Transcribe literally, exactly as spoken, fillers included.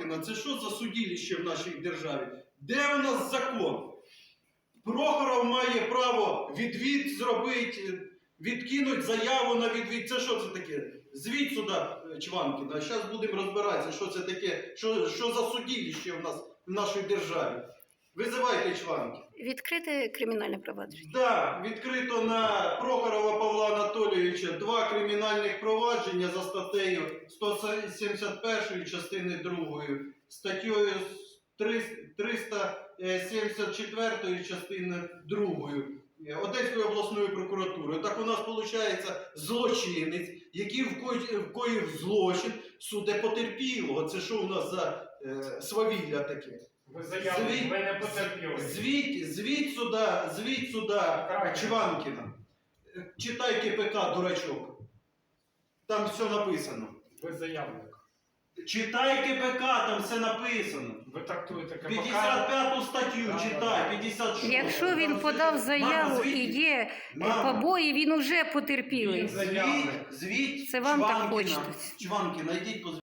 Чванкіна, це що за судилище в нашій державі? Де у нас закон? Прохоров має право відвід зробити, відкинути заяву на відвід. Це що це таке? Звідь сюди, Чванкіна. Зараз будемо розбиратися, що це таке, що, що за судилище в нас в нашій державі. Визивайте Чванкіна. Відкрите кримінальне провадження. Так, да, відкрито на Прохорова Павла Анатолійовича два кримінальних провадження за статтею сто сімдесят першої частини другої, статтею триста сімдесят четвертої частини другої Одеської обласної прокуратури. Так у нас виходить злочинець, який вкоїв злочин суде потерпілого. Це що у нас за е, свавілля таке? Ви заявили, ви не потерпіли. Звідь, звідь сюди, звідь сюди, Чванкіна. Читай КПК, дурачок. Там все написано. Ви заявник. Читай КПК, там все написано. Ви трактуєте КПК. п'ятдесят п'яту статтю читай, п'ятдесят шосту. Якщо він подав заяву і є побої, він уже потерпілий. Звідь, звідь, Це вам так Чванкіна. хочеться. Чванкіна, йдіть по